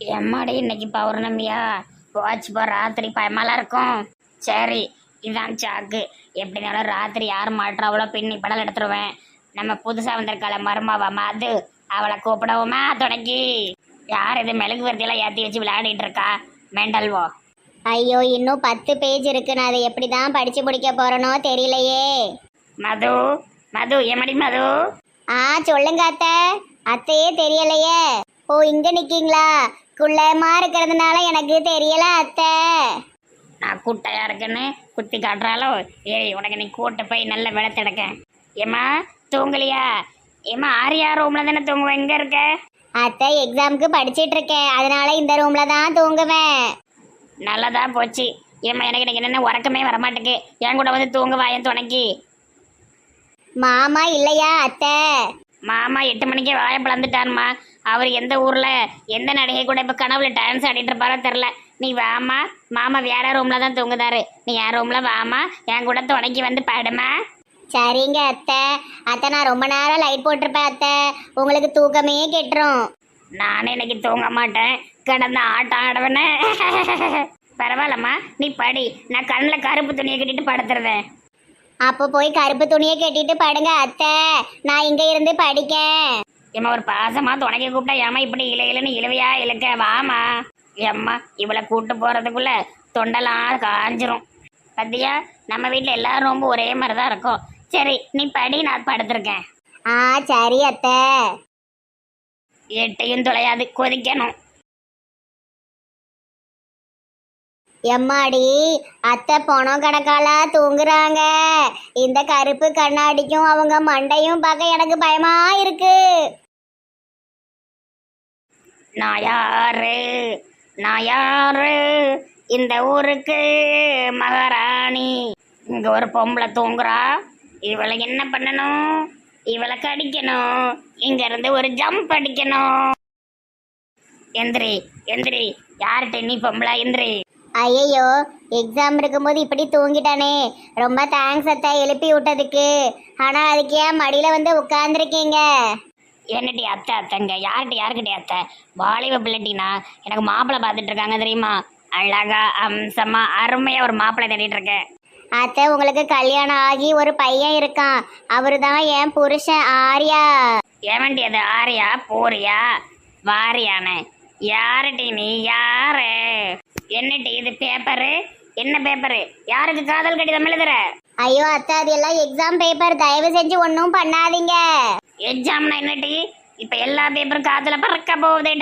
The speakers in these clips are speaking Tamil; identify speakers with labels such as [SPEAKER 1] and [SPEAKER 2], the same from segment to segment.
[SPEAKER 1] எம்மாடி இன்னைக்கு பௌர்ணமியா போச்சு போ ராத்திரி பயமாலாம் இருக்கும். சரி இதான் சாக்கு. எப்படினாலும் ராத்திரி யார் மாட்டுறாவளோ பின்னி படல் எடுத்துருவேன். நம்ம புதுசா வந்திருக்காள மருமாவா மது, அவளை கூப்பிடவுமா தொடங்கி. யார் இது மெழுகு வர்த்தியெல்லாம் ஏற்றி வச்சு விளையாடிட்டு இருக்கா மெண்டல்வோ.
[SPEAKER 2] ஐயோ இன்னும் 10 பேஜ் இருக்கு. நான் அதை எப்படி தான் படிச்சு முடிக்க போறேனோ தெரியலையே.
[SPEAKER 1] மது மது எமடி மது.
[SPEAKER 2] சொல்லுங்க அத்தை. அத்தையே தெரியலையே. ஓ இங்க நிக்கீங்களா? குள்ளமா இருக்கிறதுனால எனக்கு தெரியல அத்தை.
[SPEAKER 1] நான் கூட்டையா இருக்குன்னு குத்தி காட்டுறாலோ. ஏய் உனக்கு நீ கூட்ட போய் நல்ல வெளுத்தெடுக்க. ஏம்மா தூங்கலையா? ஏம்மா ஆரியா ரூம்ல தானே தூங்குவேன். எங்க இருக்க?
[SPEAKER 2] அத்தை எக்ஸாமுக்கு படிச்சிட்டு இருக்கேன், அதனால இந்த ரூம்ல தான் தூங்குவேன்.
[SPEAKER 1] நல்லதா போச்சு. ஏம்மா எனக்கு இன்னைக்கு என்னென்ன உறக்கமே வரமாட்டேக்கு. என் கூட வந்து தூங்க வாயன் துணைக்கி.
[SPEAKER 2] மாமா இல்லையா அத்தை?
[SPEAKER 1] மாமா 8 மணிக்கே வாயை பிளந்துட்டான்மா. அவர் எந்த ஊர்ல எந்த நடிகை கூட இப்ப கனவுல டான்ஸ் ஆடிட்டு இருப்பாரோ தெரில. நீ வாமா, மாமா வேற ரூம்ல தான் தூங்குதாரு. நீ என் ரூம்ல வாமா, என் கூட துணைக்கி வந்து பாடுமா.
[SPEAKER 2] சரிங்க அத்தை. அத்தை நான் ரொம்ப நேரம் லைட் போட்டிருப்பேன் அத்தை, உங்களுக்கு தூக்கமே கெட்டுரும்.
[SPEAKER 1] நானே இன்னைக்கு தூங்க மாட்டேன், கிடந்த ஆட்டம் ஆடுவேன்னு. பரவாயில்லம்மா நீ படி, நான் கண்ணில் கருப்பு துணியை கட்டிட்டு படுத்துருவேன்.
[SPEAKER 2] அப்போ போய் கருப்பு துணியை கட்டிட்டு படுங்க அத்தை, நான் இங்க இருந்து படிக்கேன்.
[SPEAKER 1] ஏம்மா ஒரு பாசமா துணைக்க கூப்பிட்டா ஏமா இப்படி இலையிலன்னு இழுவையா இழுக்க. வாமா ஏம்மா, இவளை கூட்டு போறதுக்குள்ள தொண்டெல்லாம் காஞ்சிரும். பத்தியா நம்ம வீட்டில் எல்லாரும் ரொம்ப ஒரே மாதிரி தான் இருக்கும். சரி நீ படி, நான் படுத்திருக்கேன்.
[SPEAKER 2] சரி அத்தை.
[SPEAKER 1] எட்டையும் தொலையாது, கொதிக்கணும்.
[SPEAKER 2] எம்மாடி அத்தை பணம் கணக்காலா தூங்குறாங்க. இந்த கருப்பு கண்ணாடிக்கும் அவங்க மண்டையும் பார்க்க எனக்கு பயமா இருக்கு.
[SPEAKER 1] நான் யாரு, நான் யாரு, இந்த ஊருக்கு மகாராணி. இங்க ஒரு பொம்பளை தூங்குறா. இவளை என்ன பண்ணணும்? இவளை கடிக்கணும். இங்க இருந்து ஒரு ஜம்ப் அடிக்கணும். எந்திரி எந்திரி. யார்கிட்ட நீ பொம்பளை? எந்திரி.
[SPEAKER 2] ஐயோ எக்ஸாம் இருக்கும்போது இப்படி தூங்கிட்டானே. ரொம்ப தேங்க்ஸ் அத்தை எழுப்பி விட்டதுக்கு. ஆனா அதுக்கு ஏன் மடியில வந்து உட்கார்ந்துருக்கீங்க?
[SPEAKER 1] என்னடி அத்தை அத்தைங்க? யாருக்கிட்டே அத்தை? வாலிப பிள்ளைட்டினா எனக்கு மாப்பிள்ளை பார்த்துட்டு இருக்காங்க தெரியுமா? அழகா அம்சமா அருமையா ஒரு மாப்பிள்ளை தேடிட்டு இருக்கேன்.
[SPEAKER 2] அத்தை உங்களுக்கு கல்யாணம் ஆகி ஒரு பையன் இருக்கான், அவரு தான் என் புருஷன் ஆரியா.
[SPEAKER 1] ஏவண்டி அது ஆரியா போறியா வாரியானே? யாருடி நீ? யாரு? என்னடி இது பேப்பரு? என்ன பேப்பரு? யாருக்கு காதல் கடிதம் எழுதுற?
[SPEAKER 2] ஐயோ அத்தை அது எல்லாம் எக்ஸாம் பேப்பர், தயவு செஞ்சு ஒன்றும் பண்ணாதீங்க.
[SPEAKER 1] எக்ஸாம்னா என்னடி? இப்ப எல்லா பேப்பரும் காதுல பறக்க போகுது.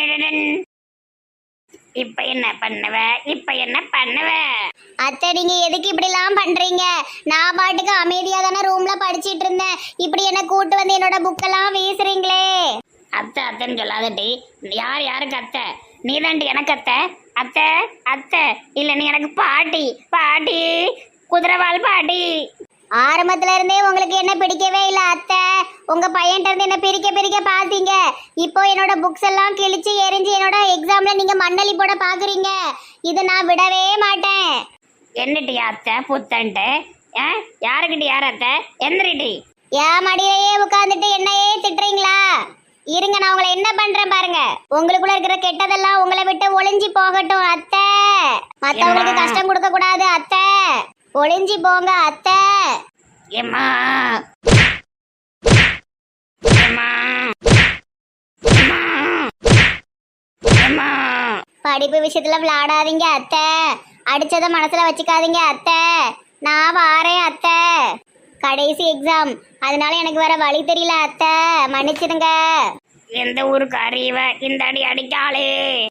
[SPEAKER 1] இப்ப என்ன பண்ணுவ? இப்ப என்ன பண்ணுவ?
[SPEAKER 2] அத்தை நீங்க எதுக்கு இப்படி எல்லாம் பண்றீங்க? நான் பாட்டுக்கு அமைதியா தானே ரூம்ல படிச்சிட்டு இருந்தேன், இப்படி என்ன கூட்டு வந்து என்னோட புக்கெல்லாம் வீசுறீங்களே.
[SPEAKER 1] அத்தை அத்தைன்னு சொல்லாதடி. யாருக்கு அத்தை? நீ தாண்டி எனக்கு அத்தை. அத்தை அத்தை இல்ல, நீ எனக்கு பாட்டி. பாட்டி குதிரைவால் பாட்டி.
[SPEAKER 2] ஆரம்பத்துல இருந்தே உங்களுக்கு என்ன பிடிக்கவே இல்லை அத்தை. உங்க பையன்கிட்ட இருந்து என்ன பிரிக்க பாத்தீங்க. இப்போ என்னோட புக்ஸ் எல்லாம் கிழிச்சு எரிஞ்சு என்னோட எக்ஸாம்ல நீங்க மண்ணலி போட பாக்குறீங்க. இதை நான் விடவே மாட்டேன்.
[SPEAKER 1] என்னடி அத்தை புத்தன்ட்டு? யாருக்கிட்ட யார் அத்தை? எந்திரிட்டி.
[SPEAKER 2] ஏன் மடியிலேயே உட்கார்ந்துட்டு என்னையே திட்டுறீங்களா? இருங்க நான் உங்களை என்ன பண்றேன் பாருங்க. உங்களுக்குள்ள இருக்கிற கெட்டதெல்லாம் உங்களை விட்டு ஒளிஞ்சி போகட்டும் அத்தை. மத்தவங்களுக்கு கஷ்டம் கொடுக்க கூடாது அத்தை. ஒளிஞ்சி போங்க அத்தை.
[SPEAKER 1] ஏம்மா
[SPEAKER 2] படிப்பு விஷயத்துல விளையாடாதீங்க அத்தை. அடிச்சத மனசுல வச்சுக்காதீங்க அத்தை. நான் வாரேன் அத்தை. கடைசி எக்ஸாம், அதனால எனக்கு வேற வழி தெரியல அத்தை, மன்னிச்சிடுங்க.
[SPEAKER 1] எந்த ஊருக்கு அறிவ இந்த அடி அடிக்காளே.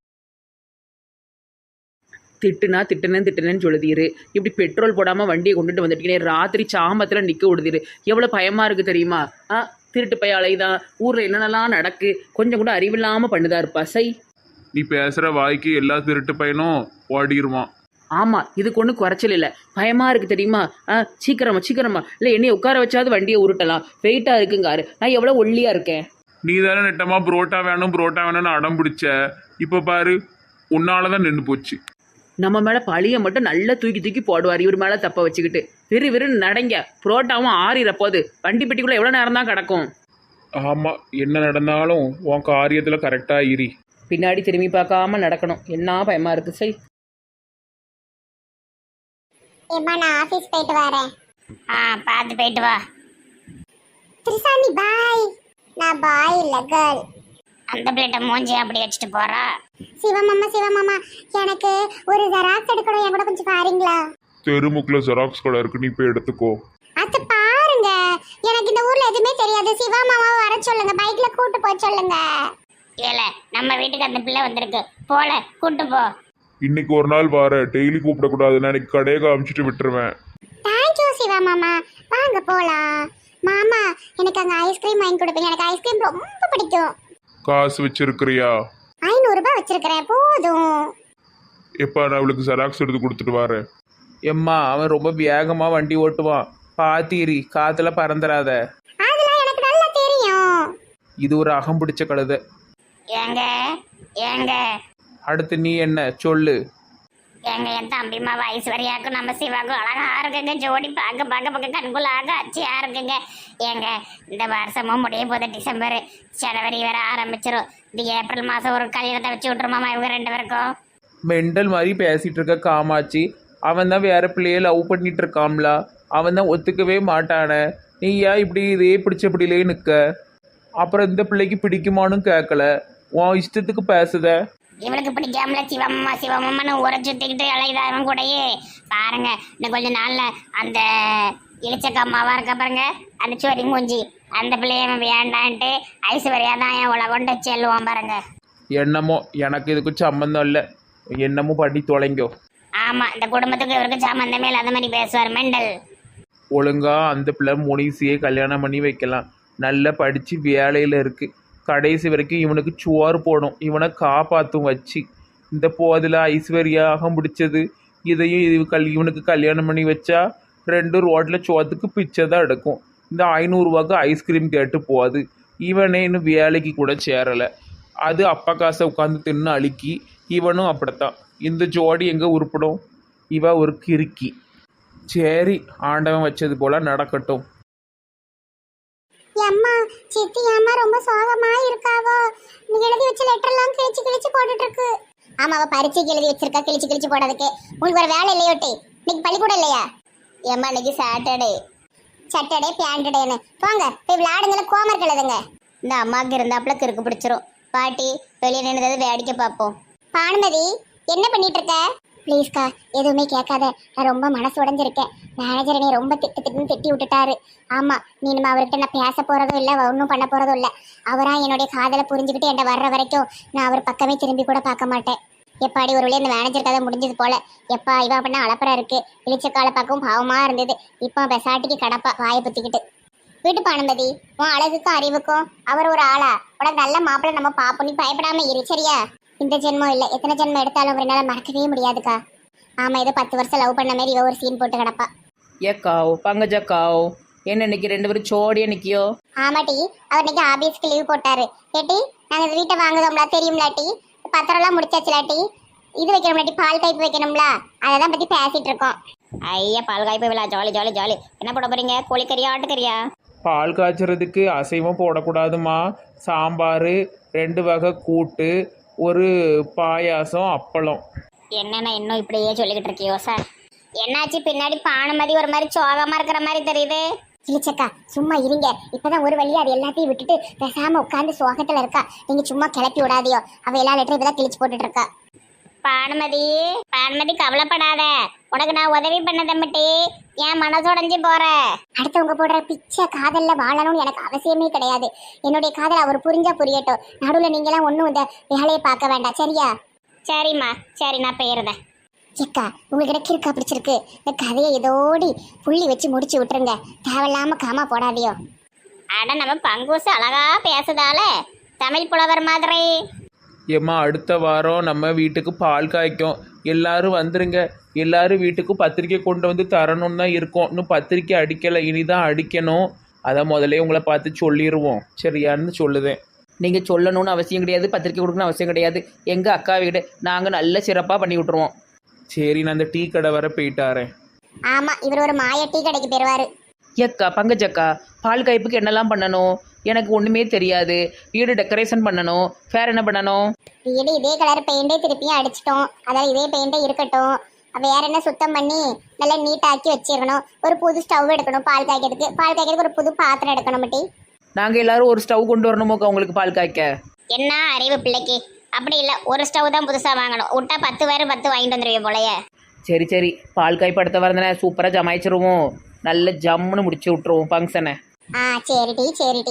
[SPEAKER 3] திட்டுனேன்னு சொல்லுதீரு. இப்படி பெட்ரோல் போடாமல் வண்டியை கொண்டுட்டு வந்துட்டீங்க. ராத்திரி சாமத்தில் நிற்க விடுதீரு. எவ்வளோ பயமாக இருக்குது தெரியுமா? திருட்டு பைய அலைதான். ஊரில் என்னென்னலாம் நடக்கு, கொஞ்சம் கூட அறிவில்லாமல் பண்ணுதா இருப்பா. சை,
[SPEAKER 4] நீ பேசுகிற வாய்க்கு எல்லா திருட்டு பையனும் ஓடிடுவான்.
[SPEAKER 3] ஆமாம் இதுக்கு ஒன்றும் குறைச்சல் இல்லை. பயமாக இருக்குது தெரியுமா? சீக்கிரமா இல்லை என்னையை உட்கார வச்சாவது வண்டியை உருட்டலாம். வெயிட்டாக இருக்குங்காரு. நான் எவ்வளோ ஒல்லியாக இருக்கேன்.
[SPEAKER 4] நீ தானே நெட்டமாக புரோட்டா வேணும்னு அடம் பிடிச்ச. இப்போ பாரு, உன்னால தான் நின்று போச்சு.
[SPEAKER 3] நம்ம மேலே பழியை மட்டும் நல்லா தூக்கி போடுவார். இவர் மேலே தப்ப வச்சுக்கிட்டு விறுவிறுன்னு நடங்க. புரோட்டாவும் ஆறிறப்போது வண்டி பெட்டிக்குள்ளே எவ்வளோ நேரம் தான் கிடக்கும்.
[SPEAKER 4] ஆமாம், என்ன நடந்தாலும் உன் காரியத்தில் கரெக்டாக இரு.
[SPEAKER 3] பின்னாடி திரும்பி பார்க்காம நடக்கணும். என்ன பயமாக இருக்குது. சரி,
[SPEAKER 2] ஏம்மா நான் ஆபீஸ் போயிட்டு வரேன்.
[SPEAKER 1] பார்த்து போயிட்டு வா.
[SPEAKER 2] திரிசாணி பாய். நான் பாய் இல்ல கேர்ள்.
[SPEAKER 1] அந்த பிள்ளைகிட்ட மூஞ்சி அப்படி வச்சுட்டு போறா.
[SPEAKER 2] சிவமாமா எனக்கு ஒரு ஜெராக்ஸ் எடுக்கணும், என் கூட கொஞ்சம் பாருங்களா?
[SPEAKER 4] தெருமுக்கில் ஜெராக்ஸ் கடை இருக்கு, நீ போய் எடுத்துக்கோ.
[SPEAKER 2] அத்தை பாருங்க, எனக்கு இந்த ஊர்ல எதுவுமே தெரியாது. சிவா மாமாவை வர சொல்லுங்க, பைக்ல கூட்டு போய் சொல்லுங்க.
[SPEAKER 1] ஏல நம்ம வீட்டுக்கு அந்த பிள்ளை வந்திருக்கு, போல கூட்டு போ.
[SPEAKER 4] இன்னைக்கு ஒரு நாள் வர, டெய்லி கூப்பிடக்கூடாது, நான் இன்னைக்கு கடையை காமிச்சிட்டு விட்டுருவேன்.
[SPEAKER 2] தேங்க்யூ சிவா மாமா, வாங்க போலாம். மாமா எனக்கு அங்க ஐஸ்கிரீம் வாங்கி கொடுப்பீங்க, எனக்கு ஐஸ்கிரீம் ரொம்ப பிடிக்கும்.
[SPEAKER 4] காசு வச்சிருக்கிறியா?
[SPEAKER 2] 500 ரூபாய் வச்சிருக்கிறேன், போதும்.
[SPEAKER 4] எப்போ நான் அவளுக்கு ஜெராக்ஸ் எடுத்து கொடுத்துட்டு வரேன்.
[SPEAKER 3] எம்மா அவன் ரொம்ப வேகமாக வண்டி ஓட்டுவான், பாத்தீரி காற்றுல பறந்துடாத.
[SPEAKER 2] அதெல்லாம் எனக்கு நல்லா தெரியும்.
[SPEAKER 3] இது ஒரு அகம் பிடிச்ச கழுதை.
[SPEAKER 1] ஏங்க ஏங்க
[SPEAKER 3] அடுத்து நீ என்ன சொல்லு.
[SPEAKER 1] ஏங்க என் தம்பிமா ஐஸ்வர்யாவுக்கும் நம்ம சிவாவுக்கும் அழகா இருக்குங்க, ஜோடி பார்க்க கண்குள்ளாக அச்சியா இருக்குங்க. ஏங்க இந்த வருஷமும் முடிய போகுது, டிசம்பர் ஜனவரி வேற ஆரம்பிச்சிரும். இந்த ஏப்ரல் மாசம் ஒரு கல்யாணத்தை வச்சு விட்டுருமாமா இவங்க 2 பேருக்கும்.
[SPEAKER 3] மெண்டல் மாதிரி பேசிட்டு இருக்க காமாட்சி. அவன் தான் வேற பிள்ளைய லவ் பண்ணிட்டு இருக்காம்ல, அவன் தான் ஒத்துக்கவே மாட்டானே. நீ ஏன் இப்படி இதே பிடிச்சபடியிலே நிற்க? அப்புறம் இந்த பிள்ளைக்கு பிடிக்குமான்னு கேட்கல, உன் இஷ்டத்துக்கு பேசுத.
[SPEAKER 1] இவளுக்கு பிடிக்காமல சிவமம்மான்னு ஊரை சுத்திக்கிட்டு அலைதாரம் கூடயே பாருங்க. இன்னும் கொஞ்ச நாள்ல அந்த இளிச்சக்கம்மாவா இருக்க பாருங்க, அந்த சொரி மூஞ்சி அந்த பிள்ளைய வேண்டான்ட்டு ஐஸ்வர்யா தான் என் உலகொண்டு செல்லுவான் பாருங்க.
[SPEAKER 3] என்னமோ எனக்கு இதுக்கு சம்மந்தம் இல்லை, என்னமோ பண்ணி தொலைங்கோ.
[SPEAKER 1] ஆமா, இந்த குடும்பத்துக்கு இவருக்கு சம்பந்தமே இல்லாத மாதிரி பேசுவார் மெண்டல்.
[SPEAKER 3] ஒழுங்கா அந்த பிள்ளை முனிசியை கல்யாணம் பண்ணி வைக்கலாம். நல்லா படித்து வேலையில் இருக்குது, கடைசி வரைக்கும் இவனுக்கு சுவார் போடும், இவனை காப்பாற்றும் வச்சு. இந்த போதில் ஐஸ்வர்யா அகம் பிடிச்சது, இதையும் இவனுக்கு கல்யாணம் பண்ணி வச்சா 2 ரோட்டில் சோத்துக்கு பிச்சை தான் எடுக்கும். இந்த 500 ரூபாய்க்கு ஐஸ்கிரீம் கேட்டு போகாது. இவனே இன்னும் வேலைக்கு கூட சேரலை, அது அப்பா காசை உட்காந்து தின்னு அழுக்கி. இவனும் அப்படித்தான். இந்த ஜோடி எங்கே உருப்படும்? இவ ஒரு கிறுக்கி. சரி, ஆண்டவன் வச்சது போல நடக்கட்டும்.
[SPEAKER 2] அம்மா சித்தி அம்மா ரொம்ப சோகமா இருக்காவோ? நீ எழுதி வச்ச லெட்டர் எல்லாம் கிழிச்சு போட்டுட்டு இருக்கு. ஆமா, அவ பரீட்சைக்கு எழுதி வச்சிருக்கா, கிழிச்சு போடுறதுக்கு. உங்களுக்கு ஒரு வேலை இல்லையோட்டி? இன்னைக்கு பள்ளிக்கூடம் இல்லையா? ஏம்மா இன்னைக்கு சாட்டர்டே பியாண்டடேன்னு போங்க, போய் விளையாடுங்கள, கோமர் எழுதுங்க.
[SPEAKER 1] இந்த அம்மாவுக்கு இருந்தாப்புல கிறுக்கு பிடிச்சிரும். பாட்டி வெளியே நின்றது வேடிக்கை பார்ப்போம்.
[SPEAKER 2] பானுமதி என்ன பண்ணிட்டு இருக்க? ப்ளீஸ்க்கா எதுவுமே கேட்காத, நான் ரொம்ப மனசு உடஞ்சிருக்கேன். மேனேஜர் என்னை ரொம்ப திட்டுன்னு திட்டி விட்டுட்டாரு. ஆமா, நீ நம்ம அவர்கிட்ட நான் பேச போறதும் இல்லை, ஒன்றும் பண்ண போறதும் இல்லை. அவரா என்னுடைய காதலை புரிஞ்சுக்கிட்டு என்கிட்ட வர்ற வரைக்கும் நான் அவர் பக்கமே திரும்பி கூட பார்க்க மாட்டேன். எப்பாடி ஒரு வழியாக இந்த மேனேஜர் கதை முடிஞ்சது போல. எப்பா இவ அப்படின்னா அலப்பறா இருக்கு, இழிச்ச காலை பார்க்கவும் பாவமா இருந்தது. இப்போ பெசாட்டிக்கு கடப்பா வாயை பத்திக்கிட்டு. வீட்டு பானுமதி, உன் அழகுக்கும் அறிவுக்கும் அவர் ஒரு ஆளா? உனக்கு நல்ல மாப்பிள்ளை நம்ம பாப்போம், நீ பயப்படாம இரு சரியா? இந்த ஜென்மம் இல்லை, எத்தனை ஜென்மம் எடுத்தாலும் அவரால் மறக்கவே முடியாதுக்கா. ஆமா, ஏதோ 10 வருஷம் லவ் பண்ண மாதிரி இவ ஒரு சீன் போட்டு கிடப்பா.
[SPEAKER 3] ஏக்காவோ பங்கஜக்காவோ என்ன இன்னைக்கு 2 பேரும் சோடியா நிக்கியோ?
[SPEAKER 2] ஆமாட்டி, அவர் இன்னைக்கு ஆபீஸ்க்கு லீவ் போட்டாரு. ஏட்டி நாங்க இந்த வீட்டை வாங்குதோம்ல, தெரியும்லாட்டி? பத்திரம்லாம் முடிச்சாச்சுலாட்டி? இது வைக்கணும்லாட்டி, பால் பைப்பு வைக்கணும்ல, அதை பத்தி பேசிட்டு இருக்கோம்.
[SPEAKER 1] ஐயா பால் காய்ப்பு விழா, ஜாலி ஜாலி ஜாலி. என்ன போட போறீங்க? கோழிக்கறியா ஆட்டுக்கறியா?
[SPEAKER 3] பால் காய்ச்சறதுக்கு அசைவம் போடக்கூடாதுமா. சாம்பார், 2 வகை கூட்டு, ஒரு பாயாசம், அப்பளம்.
[SPEAKER 1] என்னென்ன இன்னும் இப்படியே சொல்லிக்கிட்டு இருக்கியோ சார்? என்னாச்சு பின்னாடி பானுமதி ஒரு மாதிரி சோகமா இருக்கிற மாதிரி தெரியுது.
[SPEAKER 2] கிழிச்சக்கா சும்மா இருங்க, இப்பதான் ஒரு வழியா அது எல்லாத்தையும் விட்டுட்டு பேசாம உட்காந்து சோகத்துல இருக்கா. நீங்க சும்மா கிளப்பி விடாதியோ, அவ எல்லா லெட்டரும் இப்பதான் கிழிச்சு போட்டுட்டு இருக்கா.
[SPEAKER 1] பானுமதி கவலைப்படாத, உனக்கு நான் உதவி பண்ண தம்பிட்டி, என் மனசோடைஞ்சு போற.
[SPEAKER 2] அடுத்தவங்க போடுற பிச்சை காதல்ல வாழணும்னு எனக்கு அவசியமே கிடையாது. என்னுடைய காதல் அவர் புரிஞ்சா புரியட்டும். நடுவில் நீங்களாம் ஒன்றும் இந்த வேலையை பார்க்க வேண்டாம் சரியா?
[SPEAKER 1] சரிம்மா சரி, நான் போயிருந்தேன்.
[SPEAKER 2] சிக்கா உங்களுக்கு கிறுக்கா பிடிச்சிருக்கு, இந்த கதையை இதோடி புள்ளி வச்சு முடிச்சு விட்டுருங்க. தேவையில்லாம காமா போடாதியோ.
[SPEAKER 1] அட நம்ம பங்குசு அழகா பேசுதால தமிழ் புலவர் மாதிரி.
[SPEAKER 3] ஏம்மா அடுத்த வாரம் நம்ம வீட்டுக்கு பால் காய்க்கும், எல்லாரும் வந்துருங்க. எல்லாரும் வீட்டுக்கு பத்திரிக்கை கொண்டு வந்து தரணும்னு தான் இருக்கோம். இன்னும் பத்திரிக்கை அடிக்கலை, இனிதான் அடிக்கணும். அதை முதலே உங்களை பார்த்து சொல்லிடுவோம் சரியான்னு சொல்லுதேன். நீங்கள் சொல்லணும்னு அவசியம் கிடையாது, பத்திரிக்கை கொடுக்கணும்னு அவசியம் கிடையாது. எங்கள் அக்கா வீடு நாங்கள் நல்ல சிறப்பாக பண்ணி விட்ருவோம். சரி, நான் அந்த டீ கடை வர போயிட்டாரேன்.
[SPEAKER 2] ஆமா, இவர் ஒரு மாய டீ கடைக்கு போயிருவாரு.
[SPEAKER 3] ஏக்கா பங்கஜக்கா, பால் காய்ப்புக்கு என்னெல்லாம் பண்ணணும்?
[SPEAKER 5] எனக்கு ஒன்றுமே தெரியாது. வீடு டெக்கரேஷன் பண்ணணும், வேறு என்ன பண்ணணும்?
[SPEAKER 2] வீடு இதே கலர் பெயிண்டே திருப்பியும் அடிச்சிட்டோம், அதாவது இதே பெயிண்டே இருக்கட்டும். வேற என்ன சுத்தம் பண்ணி நல்லா நீட்டாக்கி வச்சிடணும். ஒரு புது ஸ்டவ் எடுக்கணும் பால் காய்க்கிறதுக்கு ஒரு புது பாத்திரம் எடுக்கணும் மட்டி.
[SPEAKER 5] நாங்கள் எல்லாரும் ஒரு ஸ்டவ் கொண்டு வரணுமோக்கா உங்களுக்கு பால் காய்க்க?
[SPEAKER 2] என்ன அறிவு பிள்ளைக்கு! அப்படி இல்லை, ஒரு ஸ்டவ் தான் புதுசாக வாங்கணும். விட்டா 10 வேறு 10 வாங்கிட்டு வந்துடுவீங்க போலயே.
[SPEAKER 5] சரி சரி, பால் காய் படுத்த வரந்தனே சூப்பராக ஜமாய்ச்சிருவோம், நல்ல ஜம்முன்னு முடிச்சு விட்ருவோம் ஃபங்க்ஷனை.
[SPEAKER 2] சரிடி.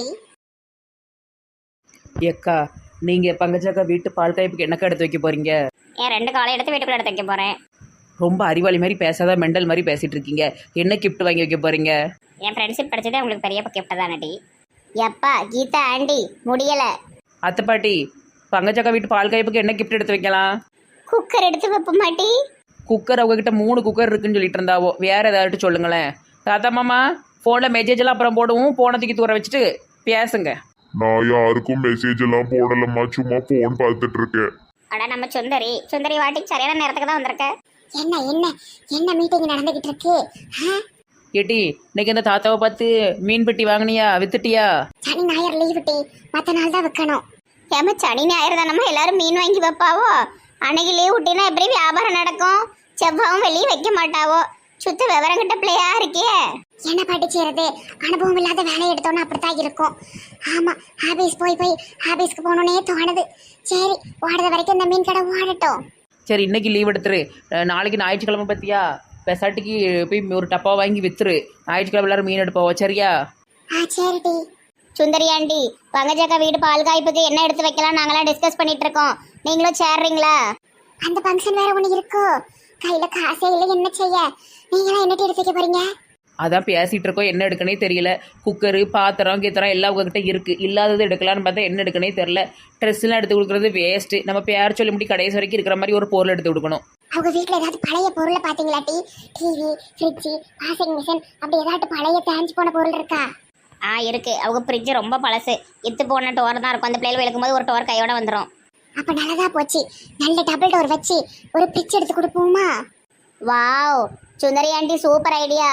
[SPEAKER 5] ஏக்கா, நீங்கள் பங்கஜாக்கா வீட்டு பால் காய்ப்புக்கு என்னக்கா எடுத்து வைக்க போகிறீங்க?
[SPEAKER 1] என் 2 காலை எடுத்து வீட்டுக்குள்ள எடுத்து வைக்க போறேன்.
[SPEAKER 5] ரொம்ப அறிவாளி மாதிரி பேசாத, மெண்டல் மாதிரி பேசிகிட்டு இருக்கீங்க. என்ன கிஃப்ட் வாங்கி வைக்க போகிறீங்க?
[SPEAKER 1] என் ஃப்ரெண்ட்ஷிப் படிச்சதே உங்களுக்கு பெரிய கிஃப்ட் தானடி.
[SPEAKER 2] எப்பா கீதா ஆண்டி முடியல.
[SPEAKER 5] அத்தை பாட்டி, பங்கஜாக்கா வீட்டு பால் காய்ப்புக்கு என்ன கிஃப்ட் எடுத்து வைக்கலாம்?
[SPEAKER 2] குக்கர் எடுத்து வைப்ப மாட்டி.
[SPEAKER 5] குக்கர் அவங்ககிட்ட 3 குக்கர் இருக்குன்னு சொல்லிட்டு இருந்தாவோ, வேற ஏதாட்டு சொல்லுங்களேன். தாத்தா மாமா, ஃபோனில் மெசேஜ் எல்லாம் அப்புறம் போடுவோம், போனை தூக்கி தூர வச்சுட்டு பேசுங்க.
[SPEAKER 6] நான் யாருக்கும் மெசேஜ் எல்லாம் போடலம்மா, சும்மா போன் பார்த்துட்டு இருக்கேன்.
[SPEAKER 1] அட நம்ம சுந்தரி வாட்டிக்கு சரியான நேரத்துக்கு தான் வந்திருக்க.
[SPEAKER 2] என்ன மீட்டிங் நடந்துகிட்டு இருக்கு?
[SPEAKER 5] ஏட்டி, இன்னைக்கு இந்த தாத்தாவை பார்த்து மீன் பெட்டி வாங்கினியா, வித்துட்டியா?
[SPEAKER 2] சனி ஞாயிறு லீவ் டி, மற்ற நாள் தான் வைக்கணும். ஏமா சனி ஞாயிறு தானம்மா எல்லாரும் மீன் வாங்கி வைப்பாவோ? அன்னைக்கு லீவ் விட்டினா எப்படி வியாபாரம் நடக்கும்? செவ்வாவும் வெளியே வைக்க மாட்டாவோ. சுத்த விவரம் கிட்ட பிள்ளையா இருக்கே. என்ன பாட்டி செய்யறது, அனுபவம் இல்லாத வேலையை எடுத்தோன்னா அப்படித்தான் இருக்கும். ஆமா, ஆபீஸ்க்கு போகணுன்னே தோணுது. சரி, ஓடுற வரைக்கும் இந்த மீன் கடை ஓடட்டும்.
[SPEAKER 5] சரி, இன்னைக்கு லீவ் எடுத்துரு. நாளைக்கு ஞாயிற்றுக்கிழமை பத்தியா, பெசாட்டிக்கு போய் ஒரு டப்பா வாங்கி வித்துரு. ஞாயிற்றுக்கிழமை எல்லாரும் மீன் எடுப்போம், சரியா?
[SPEAKER 2] சரிடி. சுந்தரி ஆண்டி, பங்கஜாக்கா வீடு பால் காய்ப்புக்கு என்ன எடுத்து வைக்கலாம் நாங்களாம் டிஸ்கஸ் பண்ணிட்டு இருக்கோம். நீங்களும் சேர்றீங்களா? அந்த ஃபங்க்ஷன் வேற ஒன்று இருக்கோ, கையில காசே இல்லை, என்ன செய்ய? நீங்களாம் என்ன எடுத்து வைக்க போறீங்க?
[SPEAKER 5] அதான் பேசிகிட்டு இருக்கோம், என்ன எடுக்கனே தெரியல. குக்கரு, பாத்திரம், கீத்திரம் எல்லாம் உங்ககிட்ட இருக்குது. இல்லாதது எடுக்கலான்னு பார்த்தா என்ன எடுக்கனே தெரில. ட்ரெஸ்லாம் எடுத்து கொடுக்குறது வேஸ்ட்டு. நம்ம பேர் சொல்லி முடி கடைசி வரைக்கும் இருக்கிற மாதிரி ஒரு பொருள் எடுத்து கொடுக்கணும்.
[SPEAKER 2] அவங்க வீட்டில் ஏதாவது பழைய பொருளை பார்த்தீங்களா? டிவி, ஃப்ரிட்ஜு, வாஷிங் மிஷின் அப்படி ஏதாட்டு பழைய தேஞ்சு போன பொருள் இருக்கா?
[SPEAKER 1] இருக்கு. அவங்க ஃப்ரிட்ஜ் ரொம்ப பழசு, இத்து போன டோர் தான் இருக்கும். அந்த பிள்ளைகள் விளக்கும்போது ஒரு டோர் கையோட வந்துடும்.
[SPEAKER 2] அப்போ நல்லதா போச்சு. நல்ல டபுள் டோர் வச்சு ஒரு ஃப்ரிட்ஜ் எடுத்து கொடுப்போமா? Wow, Sundari aunty super idea.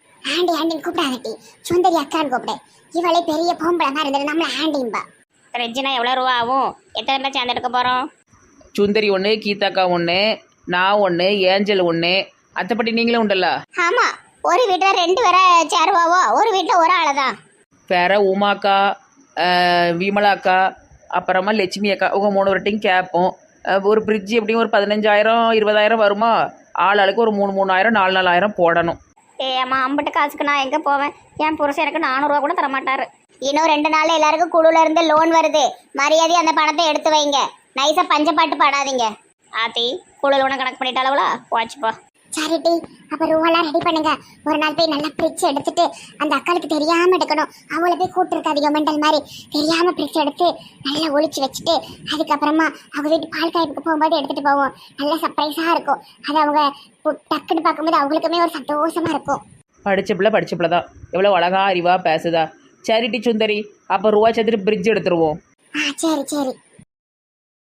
[SPEAKER 2] Aunty கூப்பிடாதட்டி, சுந்தரி அக்கான்னு கூப்பிடு. இவளே பெரிய பொம்பளை மாதிரி இருந்தது, நம்மள ஆண்டிம்பா.
[SPEAKER 1] ஃப்ரிட்ஜ்னா எவ்வளோ ரூபா ஆகும்? எத்தனை பேர் சேர்ந்து எடுக்க போகிறோம்?
[SPEAKER 5] சுந்தரி ஒன்று, கீதாக்கா ஒன்று, நான் ஒன்று, ஏஞ்சல் ஒன்று, அத்தைப்பட்டி நீங்களும் உண்டல்ல?
[SPEAKER 2] ஆமா, ஒரு வீட்டில் 2 பேரை சேருவாவோ, ஒரு வீட்டில் ஒரு ஆளை தான்.
[SPEAKER 5] வேற உமாக்கா, விமலாக்கா, அப்புறமா லட்சுமி அக்கா, உங்க 3 வரட்டையும் கேட்போம். ஒரு ஃப்ரிட்ஜ் எப்படியும் ஒரு 15,000 20,000 வருமா? ஆளுக்கு ஒரு 3,000 4,000 போடணும்.
[SPEAKER 1] அம்மா, அம்பிட்டு காசுக்கு நான் எங்கே போவேன்? என் புருஷன் எனக்கு 400 கூட தரமாட்டாரு.
[SPEAKER 2] இன்னும் 2 நாள்ல எல்லாருக்கும் குழுல இருந்து லோன் வருது. மரியாதை அந்த பணத்தை எடுத்து வைங்க. நைஸா பஞ்சப்பாட்டு பாடாதீங்க.
[SPEAKER 1] ஆத்தி, குழு லோனை கணக்கு பண்ணிட்டாளவுளா? வாட்ச்ப்பா.
[SPEAKER 2] சரிட்டி, அப்ப ரூவெல்லாம் ரெடி பண்ணுங்க. ஒரு நாள் போய் நல்லா பிரிச்சு எடுத்துட்டு அந்த அக்காளுக்கு தெரியாம எடுக்கணும். அவளை போய் கூப்பிட்டுருக்காதீங்க மெண்டல் மாதிரி. தெரியாம பிரிச்சு எடுத்து நல்லா ஒளிச்சு வச்சுட்டு அதுக்கப்புறமா அவங்க வீட்டு பால் காய்ப்புக்கு போகும்போது எடுத்துட்டு போவோம். நல்லா சர்ப்ரைஸா இருக்கும். அது அவங்க டக்குன்னு பார்க்கும்போது அவங்களுக்குமே ஒரு சந்தோஷமா இருக்கும்.
[SPEAKER 5] படித்த பிள்ளை தான், எவ்வளோ அழகா அறிவா பேசுதா. சரிட்டி சுந்தரி, அப்போ ரூபா சேர்த்துட்டு ஃப்ரிட்ஜ் எடுத்துருவோம்.
[SPEAKER 2] சரி.